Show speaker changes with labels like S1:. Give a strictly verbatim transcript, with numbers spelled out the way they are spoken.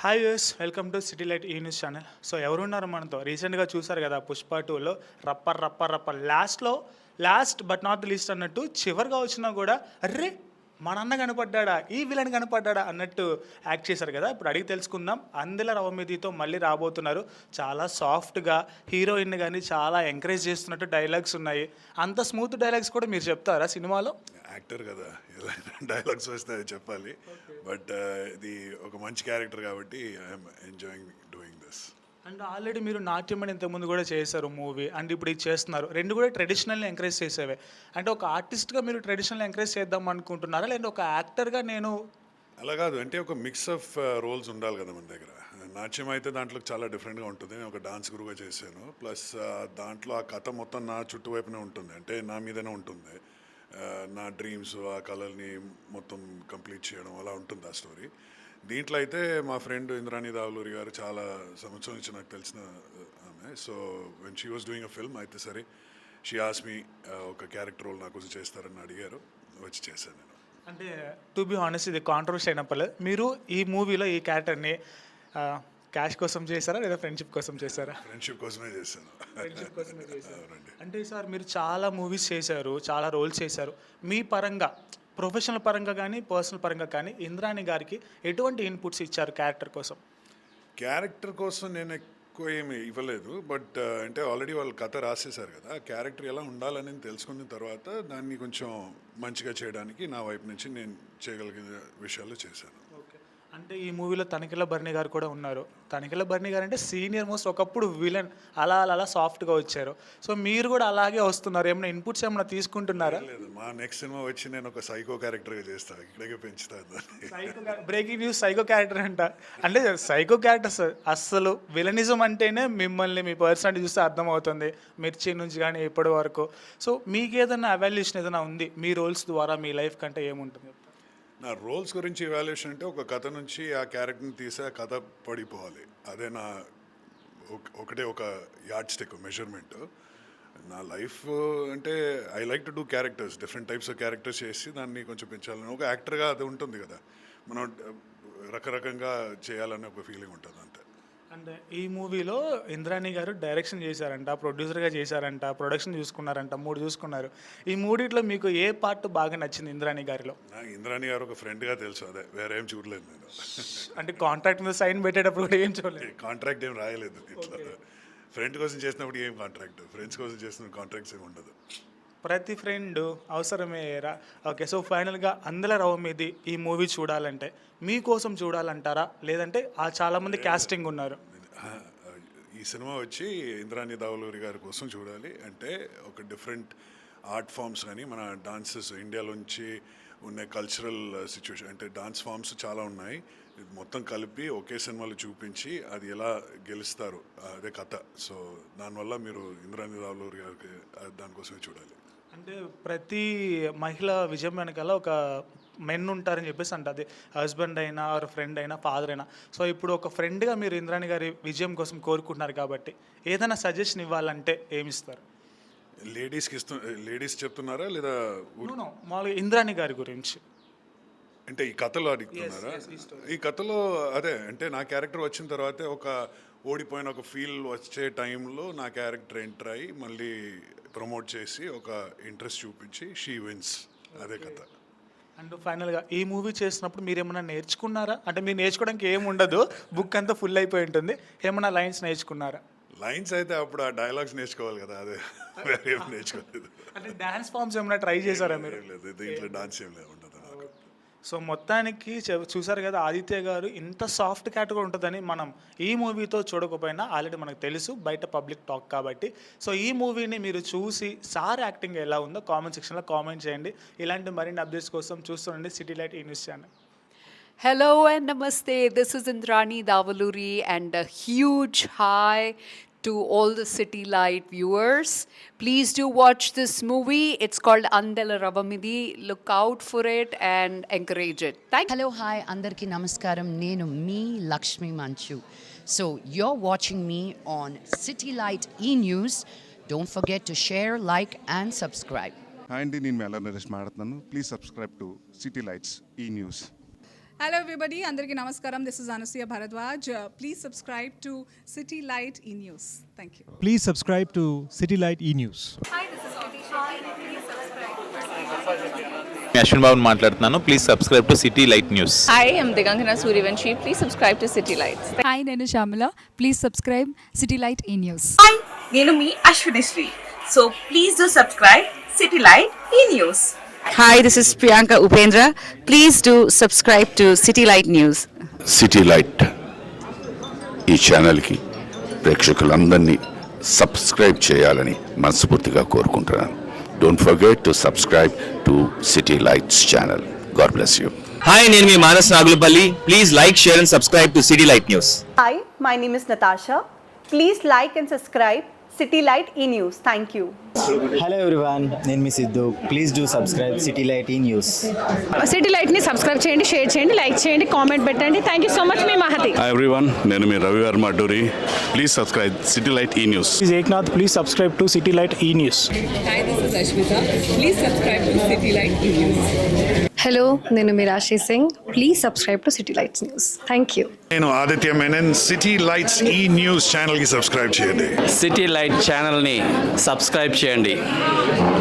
S1: Hi యూస్ welcome to city light E news channel. So ఎవరున్నారు మనతో? రీసెంట్గా చూసారు కదా పుష్ప టూలో రప్పర్ రప్పర్ రప్పర్ లాస్ట్లో last but not the least అన్నట్టు చివరిగా వచ్చినా కూడా అర్రే మన అన్న కనపడ్డా ఈ విలన్ కనపడ్డా అన్నట్టు యాక్ట్ చేశారు కదా. ఇప్పుడు అడిగి తెలుసుకుందాం. అందెల రవమిదితో మళ్ళీ రాబోతున్నారు. చాలా సాఫ్ట్గా హీరోయిన్ కానీ చాలా ఎంకరేజ్ చేస్తున్నట్టు డైలాగ్స్ ఉన్నాయి. అంత స్మూత్ డైలాగ్స్ కూడా మీరు చెప్తారా సినిమాలో?
S2: యాక్టర్ కదా, ఎలా డైలాగ్స్ వస్తే అది చెప్పాలి. బట్ ఇది ఒక మంచి క్యారెక్టర్ కాబట్టి I'm enjoying doing this.
S1: And already మీరు నాట్యం అని ఇంతకుముందు కూడా చేశారు మూవీ, అండ్ ఇప్పుడు ఇది చేస్తున్నారు. రెండు కూడా ట్రెడిషనల్ని ఎంకరేజ్ చేసేవే. అంటే ఒక ఆర్టిస్ట్గా మీరు ట్రెడిషనల్ ఎంకరేజ్ చేద్దాం అనుకుంటున్నారా, లేదంటే ఒక యాక్టర్గా నేను?
S2: అలా కాదు, అంటే ఒక మిక్స్ ఆఫ్ రోల్స్ ఉండాలి కదా మన దగ్గర. నాట్యం అయితే దాంట్లో చాలా డిఫరెంట్గా ఉంటుంది. నేను ఒక డాన్స్ గురువుగా చేశాను. ప్లస్ దాంట్లో ఆ కథ మొత్తం నా చుట్టువైపునే ఉంటుంది, అంటే నా మీదనే ఉంటుంది. నా డ్రీమ్స్, ఆ కళల్ని మొత్తం కంప్లీట్ చేయడం అలా ఉంటుంది ఆ స్టోరీ. దీంట్లో అయితే మా ఫ్రెండ్ ఇంద్రాణి దావులూరి గారు చాలా సంవత్సరం నుంచి నాకు తెలిసిన ఆమె. So when she was doing a film అయితే సరే షీ ఆస్ మీ ఒక క్యారెక్టర్ రోల్ నాకు చేస్తారని అడిగారు, వచ్చి చేశాను నేను.
S1: అంటే టు బి హానెస్ట్ ఇది కాంట్రవర్సీ అయినప్పుడు మీరు ఈ మూవీలో ఈ క్యారెక్టర్ని క్యాష్ కోసం చేశారా లేదా ఫ్రెండ్షిప్ కోసం చేశారా?
S2: ఫ్రెండ్షిప్ కోసమే చేశాను.
S1: ఫ్రెండ్షిప్ కోసమే చేశారు. అంటే సార్ మీరు చాలా మూవీస్ చేశారు, చాలా రోల్స్ చేశారు. మీ పరంగా ప్రొఫెషనల్ పరంగా కానీ పర్సనల్ పరంగా కానీ ఇంద్రాణి గారికి ఎటువంటి ఇన్పుట్స్ ఇచ్చారు క్యారెక్టర్ కోసం?
S2: క్యారెక్టర్ కోసం నేను ఎక్కువ ఏమి ఇవ్వలేదు. బట్ అంటే ఆల్రెడీ వాళ్ళు కథ రాసేశారు కదా, క్యారెక్టర్ ఎలా ఉండాలని తెలుసుకున్న తర్వాత దాన్ని కొంచెం మంచిగా చేయడానికి నా వైపు నుంచి నేను చేయగలిగిన విషయాలు చేశాను.
S1: అంటే ఈ మూవీలో తనికెళ్ళ భరణి గారు కూడా ఉన్నారు. తనికెళ్ళ భరణి గారు అంటే సీనియర్ మోస్ట్, ఒకప్పుడు విలన్, అలా అలా అలా సాఫ్ట్గా వచ్చారు. సో మీరు కూడా అలాగే వస్తున్నారు. ఏమైనా ఇన్పుట్స్ ఏమైనా తీసుకుంటున్నారా?
S2: లేదు, మా నెక్స్ట్ సినిమా వచ్చి నేను ఒక సైకో క్యారెక్టర్గా చేస్తాను, ఇక్కడికే పెంచుతాను.
S1: Psycho breaking news, psycho character అంట. అంటే సైకో క్యారెక్టర్స్ అస్సలు విలనిజం అంటేనే మిమ్మల్ని మీ పర్సనాలిటీ చూస్తే అర్థమవుతుంది, మిర్చి నుంచి కానీ ఇప్పటి వరకు. సో మీకు ఏదైనా అవాల్యుయేషన్ ఏదైనా ఉంది మీ రోల్స్ ద్వారా మీ లైఫ్ కంటే ఏముంటుంది?
S2: నా రోల్స్ గురించి ఇవాల్యుయేషన్ అంటే ఒక కథ నుంచి ఆ క్యారెక్టర్ని తీసి ఆ కథ పడిపోవాలి, అదే నా ఒకటే ఒక యార్డ్ స్టిక్ మెజర్మెంట్. నా లైఫ్ అంటే I like to do characters, different types of characters చేసి దాన్ని కొంచెం పెంచాలని. ఒక యాక్టర్గా అది ఉంటుంది కదా, మనం రకరకంగా చేయాలని ఒక ఫీలింగ్ ఉంటుంది అంతే.
S1: అంటే ఈ మూవీలో ఇంద్రాణి గారు డైరెక్షన్ చేశారంట, ప్రొడ్యూసర్గా చేశారంట, ప్రొడక్షన్ చూసుకున్నారంట, మూడు చూసుకున్నారు. ఈ మూడిట్లో మీకు ఏ పార్ట్ బాగా నచ్చింది ఇంద్రాణి గారిలో?
S2: నాకు ఇంద్రాణి గారు ఒక ఫ్రెండ్గా తెలుసు, అదే వేరే ఏం చూడలేదు నేను.
S1: అంటే కాంట్రాక్ట్ మీద సైన్ పెట్టేటప్పుడు కూడా ఏం చూడలేదు?
S2: కాంట్రాక్ట్ ఏం రాయలేదు ఇట్లా. ఫ్రెండ్ కోసం చేసినప్పుడు ఏం కాంట్రాక్ట్, ఫ్రెండ్స్ కోసం చేసిన కాంట్రాక్ట్స్ ఏమి ఉండదు.
S1: ప్రతి ఫ్రెండ్ అవసరమేరా. ఓకే, సో ఫైనల్గా అందెల రవమిది ఈ మూవీ చూడాలంటే మీకోసం చూడాలంటారా, లేదంటే ఆ చాలామంది క్యాస్టింగ్ ఉన్నారు?
S2: ఈ సినిమా వచ్చి ఇంద్రాణి దావులూరి గారి కోసం చూడాలి. అంటే ఒక డిఫరెంట్ ఆర్ట్ ఫామ్స్ కానీ మన డాన్సెస్ ఇండియాలోంచి ఉన్న కల్చరల్ సిచ్యువేషన్, అంటే డాన్స్ ఫామ్స్ చాలా ఉన్నాయి, ఇది మొత్తం కలిపి ఒకే సినిమాలో చూపించి అది ఎలా గెలుస్తారు అదే కథ. సో దానివల్ల మీరు ఇంద్రాణి దావులూరి గారికి దానికోసమే చూడాలి.
S1: అంటే ప్రతి మహిళ విజయం వెనకాల ఒక మెన్ ఉంటారని చెప్పేసి అంటే అది హస్బెండ్ అయినా ఆర్ ఫ్రెండ్ అయినా ఫాదర్ అయినా. సో ఇప్పుడు ఒక ఫ్రెండ్గా మీరు ఇంద్రాణి గారి విజయం కోసం కోరుకుంటున్నారు కాబట్టి ఏదైనా సజెషన్ ఇవ్వాలంటే ఏమిస్తారు?
S2: లేడీస్కి ఇస్తు లేడీస్ చెప్తున్నారా లేదా
S1: మామూలుగా ఇంద్రాణి గారి గురించి?
S2: అంటే ఈ కథలో అడుగుతున్నారా? ఈ కథలో అదే, అంటే నా క్యారెక్టర్ వచ్చిన తర్వాతే ఒక ఓడిపోయిన ఒక ఫీల్ వచ్చే టైంలో నా క్యారెక్టర్ ఎంటర్ అయ్యి మళ్ళీ ప్రమోట్ చేసి ఒక ఇంట్రెస్ట్ చూపించి షీ విన్స్, అదే కథ.
S1: అండ్ ఫైనల్గా ఈ మూవీ చేసినప్పుడు మీరు ఏమైనా నేర్చుకున్నారా? అంటే మీరు నేర్చుకోవడానికి ఏమి ఉండదు, బుక్ అంతా ఫుల్ అయిపోయి ఉంటుంది, ఏమైనా లైన్స్ నేర్చుకున్నారా?
S2: లైన్స్ అయితే అప్పుడు ఆ డైలాగ్స్ నేర్చుకోవాలి కదా, అదే వేరే ఏం నేర్చుకోలేదు.
S1: అంటే డాన్స్ ఫామ్స్ ఏమైనా ట్రై చేశారా మీరు?
S2: లేదు, దీంట్లో డాన్స్ ఏం లేదు, ఉండదు.
S1: సో మొత్తానికి చూసారు కదా ఆదిత్య గారు ఇంత సాఫ్ట్ క్యాట్ కూడా ఉంటుందని మనం ఈ మూవీతో చూడకపోయినా ఆల్రెడీ మనకు తెలుసు, బయట పబ్లిక్ టాక్ కాబట్టి. సో ఈ మూవీని మీరు చూసి సార్ యాక్టింగ్ ఎలా ఉందో కామెంట్ సెక్షన్లో కామెంట్ చేయండి. ఇలాంటి మరిన్ని అప్డేట్స్ కోసం చూస్తుండండి city light E news channel.
S3: Hello and namaste. This is Indrani Davuluri and a huge hi to all the City Light viewers. Please do watch this movie. It's called Andela Ravamidi. Look out for it and encourage it. Thank you.
S4: Hello, hi, Andarki Namaskaram. Nenu me Lakshmi Manchu. So you're watching me on City Light E-News. Don't forget to share, like and subscribe.
S5: Hi అండి, నేను మెల్ల నరేష్ మాట్లాడుతున్నాను. Please subscribe to city lights E news. Hello everybody, Andariki Namaskaram. This is Anasuya Bharadwaj. Uh, please subscribe to City Light E-News. Thank you.
S6: Please subscribe to City Light E-News.
S7: Ashwin Babu మాట్లాడుతున్నాను. Please subscribe to city light news.
S8: Hi, I'm Digangana Suryavanshi. Please subscribe to City Lights.
S9: Hi నేను Shyamala please subscribe city light E news
S10: hi నేను మీ Ashwini Sri so please do subscribe city light E news.
S11: Hi, this is Priyanka Upendra. Please do subscribe to City Light News.
S12: City light E ఛానల్కి ప్రేక్షకులందరినీ subscribe చేయాలని మనస్ఫూర్తిగా కోరుకుంటున్నాను. Don't forget to subscribe to city lights channel. God bless you.
S13: Hi నేను మీ Manas Nagulapalli. Please like share and subscribe to city light news.
S14: Hi my name is Natasha. Please like and subscribe city light E news. Thank you.
S15: Hello everyone, నేను మీ Siddhu. Please do subscribe city light E news.
S8: City లైట్ని subscribe చేయండి, share చేయండి, like చేయండి, comment పెట్టండి. Thank you so much మీ Mahathi.
S12: Hi everyone, నేను మీ Ravi Varma Adduri. Please subscribe city light E news.
S6: This is Eknath. Please subscribe to City Light E-News.
S5: Hi, this is Ashmita. Please subscribe to City Light E-News.
S9: Hello నేను Meerasi Singh please subscribe to city lights news thank you
S2: నేను Aditya Menon. City lights E news ఛానల్కి subscribe చేయండి.
S13: City light ఛానల్ని subscribe చేయండి.